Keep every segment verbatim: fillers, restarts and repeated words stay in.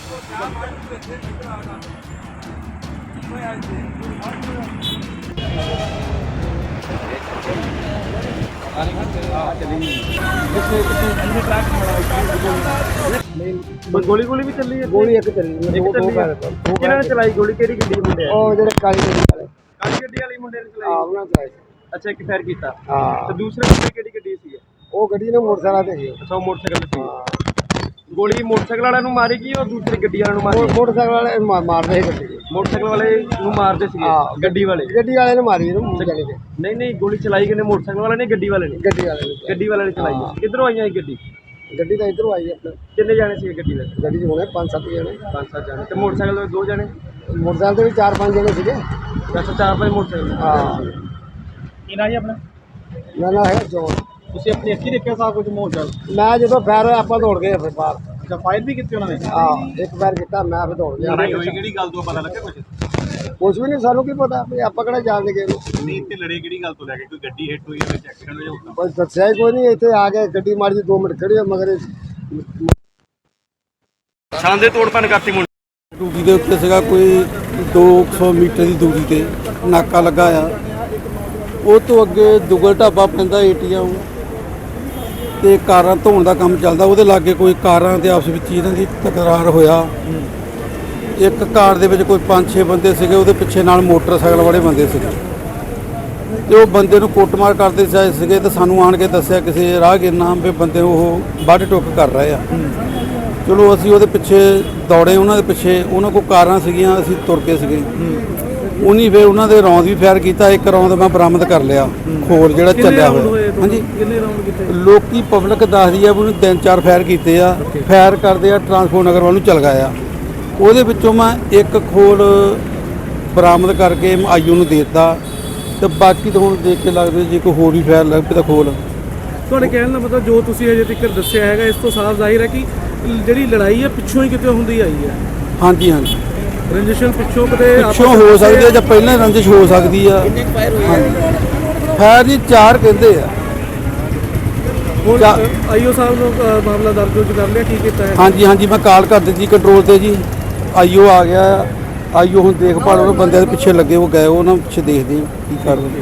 गोली गोली भी चली है? गोली एक चली किन्होंने चलाई गोली? केड़ी गड्डी मुंडे ओ जेड़े काली गड्डी वाले काली गड्डी वाली मुंडे ने चलाई? हां उन्होंने चलाई। अच्छा एक फायर कीता। हां तो दूसरे मुंडे केड़ी गड्डी सी? ओ गड्डी ने मोटरसाइकिल ते अच्छा वो मोटरसाइकिल ते सी। गोली मोटरसाइकिल वाले नु मारी की और दूसरी गड्डी वाले नु मारी? मोटरसाइकिल वाले मारदे सी गड्डी। मोटरसाइकिल वाले नु मारदे सी गड्डी वाले? गड्डी वाले ने मारी नु जाने के। नहीं नहीं गोली चलाई किने? मोटरसाइकिल वाले ने गड्डी वाले ने? गड्डी वाले ने गड्डी वाले ने चलाई। किधरों आई है गड्डी? गड्डी तो इधरों आई अपने। कितने जाने सी गड्डी में? गड्डी होने पांच सात जने। पांच सात जाने। ते मोटरसाइकिल पे दो जने? मोटरसाइकिल पे भी चार पांच जने सीगे। अच्छा चार पांच मोटरसाइकिल। हां ਕੀ ਨਾ ਜੀ ਆਪਣਾ? ਨਾ ਨਾ ਹੈ ਜੋ ਤੁਸੀਂ ਆਪਣੀ ਅੱਖੀ ਦੇਖਿਆ ਸਾਰਾ ਕੁਝ ਮੋਟਰ? ਮੈਂ ਜਦੋਂ ਫਾਇਰ ਹੋਇਆ ਆਪਾਂ ਦੌੜ ਗਏ ਫਿਰ ਬਾਹਰ। ਅੱਛਾ ਫਾਇਰ ਵੀ ਕੀਤੀ ਉਹਨਾਂ ਨੇ? ਹਾਂ ਇੱਕ ਵਾਰ ਕੀਤਾ ਮੈਂ ਫਿਰ ਦੌੜ ਗਿਆ। ਲੜਾਈ ਹੋਈ ਕਿਹੜੀ ਗੱਲ ਤੋਂ ਪਤਾ ਲੱਗਾ ਕੁਝ? ਕੁਝ ਵੀ ਨਹੀਂ ਸਾਨੂੰ ਕੀ ਪਤਾ ਵੀ ਆਪਾਂ ਕਿਹੜਾ ਜਾਣਦੇ ਗਏ ਨੂੰ। ਨਹੀਂ ਤੇ ਲੜੇ ਕਿਹੜੀ ਗੱਲ ਤੋਂ ਲੈ ਕੇ? ਕੋਈ ਗੱਡੀ ਹਿੱਟ ਹੋਈ ਵਿੱਚ ਐਕਸੀਡੈਂਟ ਹੋਇਆ ਹੋਊਗਾ? ਬਸ ਦੱਸਿਆ ਹੀ ਕੋਈ ਨਹੀਂ। ਇੱਥੇ ਆ ਕੇ ਗੱਡੀ ਮਾਰੀ ਜੀ ਦੋ ਮਿੰਟ ਖੜੀ ਹੋ ਮਗਰ ਛਾਂਦੇ ਤੋੜ ਭੰਨ ਕਰਤੀ ਮੁੰਡੇ। ਡਿਊਟੀ ਦੇ ਉੱਤੇ ਸੀਗਾ ਕੋਈ ਦੋ ਸੌ ਮੀਟਰ ਦੀ ਦੂਰੀ ਤੇ ਨਾਕਾ ਲੱਗਾ ਆ। ਉਹ ਤੋਂ ਅੱਗੇ ਦੁਗਲ ਢਾਬਾ ਪੈਂਦਾ ਏਟੀਐਮ ਤੇ ਕਾਰਾਂ ਧੋਣ ਦਾ ਕੰਮ ਚੱਲਦਾ। ਉਹਦੇ ਲਾਗੇ ਕੋਈ ਕਾਰਾਂ ਦੇ ਆਪਸ ਵਿੱਚ ਇਹਨਾਂ ਦੀ ਤਕਰਾਰ ਹੋਇਆ। ਇੱਕ ਕਾਰ ਦੇ ਵਿੱਚ ਕੋਈ ਪੰਜ ਛੇ ਬੰਦੇ ਸੀਗੇ, ਉਹਦੇ ਪਿੱਛੇ ਨਾਲ ਮੋਟਰਸਾਈਕਲ ਵਾਲੇ ਬੰਦੇ ਸੀਗੇ ਤੇ ਉਹ ਬੰਦੇ ਨੂੰ ਕੁੱਟਮਾਰ ਕਰਦੇ ਜਾਏ ਸੀਗੇ ਤੇ ਸਾਨੂੰ ਆਣ ਕੇ ਦੱਸਿਆ ਕਿਸੇ ਰਾਹਗੀਰ ਨਾਮ ਵੀ ਬੰਦੇ ਨੂੰ ਉਹ ਵੱਢ ਟੁੱਕ ਕਰ ਰਹੇ ਆ। ਚਲੋ ਅਸੀਂ ਉਹਦੇ ਪਿੱਛੇ ਦੌੜੇ, ਉਹਨਾਂ ਦੇ ਪਿੱਛੇ। ਉਹਨਾਂ ਕੋਲ ਕਾਰਾਂ ਸੀਗੀਆਂ, ਅਸੀਂ ਤੁਰ ਕੇ ਸੀਗੇ। ਉਹਨੀ ਫਿਰ ਉਹਨਾਂ ਦੇ ਰੌਂਦ ਵੀ ਫਾਇਰ ਕੀਤਾ। ਇੱਕ ਰੌਂਦ ਮੈਂ ਬਰਾਮਦ ਕਰ ਲਿਆ, ਖੋਰ ਜਿਹੜਾ ਚੱਲਿਆ ਹੋਇਆ। ਹਾਂਜੀ ਕਿੰਨੇ ਰਾਉਂਡ ਕੀਤੇ? ਲੋਕੀ ਪਬਲਿਕ ਦੱਸਦੀ ਆ ਵੀ ਉਹਨੇ ਤਿੰਨ ਚਾਰ ਫਾਇਰ ਕੀਤੇ ਆ। ਫਾਇਰ ਕਰਦੇ ਆ ਟਰਾਂਸਪੋਰਟ ਨਗਰ ਵੱਲ ਨੂੰ ਚਲ ਗਏ ਆ। ਉਹਦੇ ਵਿੱਚੋਂ ਮੈਂ ਇੱਕ ਖੋਲ ਬਰਾਮਦ ਕਰਕੇ ਆਈਓ ਨੂੰ ਦੇ ਦਿੱਤਾ ਤੇ ਬਾਕੀ ਤਾਂ ਹੁਣ ਦੇਖ ਕੇ ਲੱਗਦਾ ਜੇ ਕੋਈ ਹੋਰ ਵੀ ਫਾਇਰ ਲੱਗ ਪਏ ਤਾਂ ਖੋਲ। ਤੁਹਾਡੇ ਕਹਿਣ ਦਾ ਮਤਲਬ ਜੋ ਤੁਸੀਂ ਅਜੇ ਤੱਕ ਦੱਸਿਆ ਹੈਗਾ ਇਸ ਤੋਂ ਸਾਫ਼ ਜ਼ਾਹਿਰ ਹੈ ਕਿ ਜਿਹੜੀ ਲੜਾਈ ਹੈ ਪਿੱਛੋਂ ਹੀ ਕਿਤੇ ਹੁੰਦੀ ਆਈ ਹੈ। ਹਾਂਜੀ ਹਾਂਜੀ ਰੰਜਿਸ਼ਨ ਪਿੱਛੋਂ ਕਿਤੇ ਪਿੱਛੋਂ ਹੋ ਸਕਦੀ ਹੈ ਜਾਂ ਪਹਿਲਾਂ ਰੰਜਿਸ਼ ਹੋ ਸਕਦੀ ਆ। ਫਾਇਰ ਜੀ ਚਾਰ ਕਹਿੰਦੇ ਆ। ਆਈਓ ਸਾਹਿਬ ਨੂੰ ਮਾਮਲਾ ਦਰਜ ਕਰ ਲਿਆ? ਕੀ ਕੀਤਾ ਹੈ? ਹਾਂਜੀ ਹਾਂਜੀ ਮੈਂ ਕਾਲ ਕਰ ਦਿੱਤੀ ਕੰਟਰੋਲ ਤੇ ਜੀ। ਆਈਓ ਆ ਗਿਆ। ਆਈਓ ਹੁਣ ਦੇਖਭਾਲ ਉਹਨਾਂ ਬੰਦਿਆਂ ਦੇ ਪਿੱਛੇ ਲੱਗੇ, ਉਹ ਗਏ, ਉਹਨਾਂ ਪਿੱਛੇ ਦੇਖਦੇ ਕੀ ਕਰਦੇ।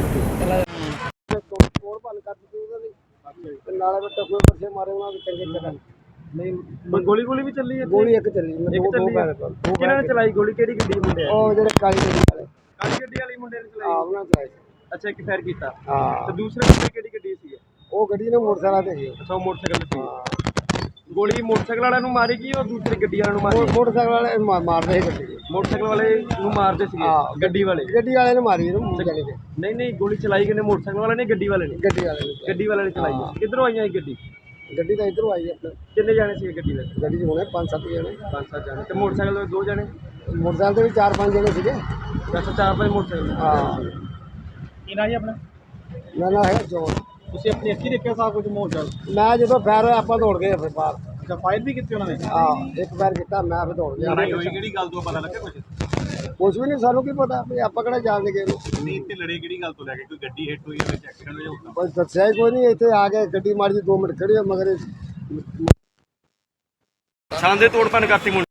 ਨਾਲੇ ਵਿੱਚ ਕੋਈ ਪਰਸੇ ਮਾਰੇ ਉਹਨਾਂ ਦੇ ਚੰਗੇ ਚੰਗੇ। ਨਹੀਂ ਗੋਲੀ ਗੋਲੀ ਵੀ ਚੱਲੀ ਹੈ? ਗੋਲੀ ਇੱਕ ਚੱਲੀ। ਇੱਕ ਚੱਲੀ। ਕਿਹਨਾਂ ਨੇ ਚਲਾਈ ਗੋਲੀ? ਕਿਹੜੀ ਗੱਡੀ ਮੁੰਡੇ ਆ? ਉਹ ਜਿਹੜੇ ਕਾਲੀ ਗੱਡੀ ਵਾਲੇ। ਕਾਲੀ ਗੱਡੀ ਵਾਲੀ ਮੁੰਡੇ ਨੇ ਚਲਾਈ? ਹਾਂ ਉਹਨਾਂ ਚਲਾਈ। ਅੱਛਾ ਇੱਕ ਫਾਇਰ ਕੀਤਾ। ਹਾਂ ਤੇ ਦੂਸਰੇ ਮੁੰਡੇ ਕਿਹੜੀ ਗੱਡੀ ਸੀ? ਉਹ ਗੱਡੀ ਨੇ ਮੋਟਰਸਾਈਕਲ ਤੇ ਸੀ। ਅੱਛਾ ਉਹ ਮੋਟਰਸਾਈਕਲ ਤੇ ਸੀ। ਗੋਲੀ ਮੋਟਰਸਾਈਕਲ ਵਾਲਿਆਂ ਨੂੰ ਮਾਰੀ ਕੀ ਔਰ ਦੂਸਰੀ ਗੱਡੀ ਵਾਲਿਆਂ ਨੂੰ ਮਾਰੀ? ਮੋਟਰਸਾਈਕਲ ਵਾਲੇ ਮਾਰਦੇ ਸੀ ਗੱਡੀ। ਮੋਟਰਸਾਈਕਲ ਵਾਲੇ ਨੂੰ ਮਾਰਦੇ ਸੀਗੇ ਗੱਡੀ ਵਾਲੇ? ਗੱਡੀ ਵਾਲੇ ਨੇ ਮਾਰੀ ਨੂੰ ਜਾਣੇ ਕੇ। ਨਹੀਂ ਨਹੀਂ ਗੋਲੀ ਚਲਾਈ ਕਿਨੇ? ਮੋਟਰਸਾਈਕਲ ਵਾਲੇ ਨੇ ਗੱਡੀ ਵਾਲੇ ਨੇ? ਗੱਡੀ ਵਾਲੇ ਨੇ। ਗੱਡੀ ਵਾਲੇ ਨੇ ਚਲਾਈ। ਕਿੱਧਰੋਂ ਆਈਆਂ ਇਹ ਗੱਡੀ? ਗੱਡੀ ਤਾਂ ਇਧਰੋਂ ਆਈ ਆਪਣੇ। ਕਿੰਨੇ ਜਾਣੇ ਸੀ ਗੱਡੀ ਵਿੱਚ? ਗੱਡੀ 'ਚ ਹੋਣੇ ਪੰਜ ਸੱਤ ਜਣੇ। ਪੰਜ ਸੱਤ ਜਾਣੇ। ਤੇ ਮੋਟਰਸਾਈਕਲ ਤੇ ਦੋ ਜਣੇ? ਮੋਟਰਸਾਈਕਲ ਤੇ ਵੀ ਚਾਰ ਪੰਜ ਜਣੇ ਸੀਗੇ। ਅੱਛਾ ਚਾਰ ਪੰਜ ਮੋਟਰਸਾਈਕਲ। ਹਾਂ ਕੀ ਨਾ ਜੀ ਆਪਣਾ? ਨਾ ਨਾ ਹੈ ਜੋ ਤੁਸੀਂ ਆਪਣੀ ਅੱਖੀ ਦੇਖਿਆ ਸਾਰਾ ਕੁਝ ਮੋਟਰ? ਮੈਂ ਜਦੋਂ ਫਾਇਰ ਹੋਇਆ ਆਪਾਂ ਦੌੜ ਗਏ ਫਿਰ ਬਾਹਰ। ਅੱਛਾ ਫਾਇਰ ਵੀ ਕੀਤੀ ਉਹਨਾਂ ਨੇ? ਹਾਂ ਇੱਕ ਵਾਰ ਕੀਤਾ ਮੈਂ ਫਿਰ ਦੌੜ ਗਿਆ। ਲੜਾਈ ਹੋਈ ਕਿਹੜੀ ਗੱਲ ਤੋਂ ਪਤਾ ਲੱਗਾ ਕੁਝ? ਕੁਝ ਵੀ ਨਹੀਂ ਸਾਨੂੰ ਕੀ ਪਤਾ ਵੀ ਆਪਾਂ ਕਿਹੜਾ ਜਾਣਦੇ ਗਏ ਨੂੰ। ਨਹੀਂ ਤੇ ਲੜੇ ਕਿਹੜੀ ਗੱਲ ਤੋਂ ਲੈ ਕੇ? ਕੋਈ ਗੱਡੀ ਹਿੱਟ ਹੋਈ ਵਿੱਚ ਐਕਸੀਡੈਂਟ ਹੋਇਆ ਹੋਊਗਾ? ਬਸ ਦੱਸਿਆ ਹੀ ਕੋਈ ਨਹੀਂ। ਇੱਥੇ ਆ ਕੇ ਗੱਡੀ ਮਾਰੀ ਜੀ ਦੋ ਮਿੰਟ ਖੜੀ ਹੋ ਮਗਰ ਛਾਂਦੇ ਤੋੜ ਭੰਨ ਕਰਤੀ ਮੁੰਡੇ।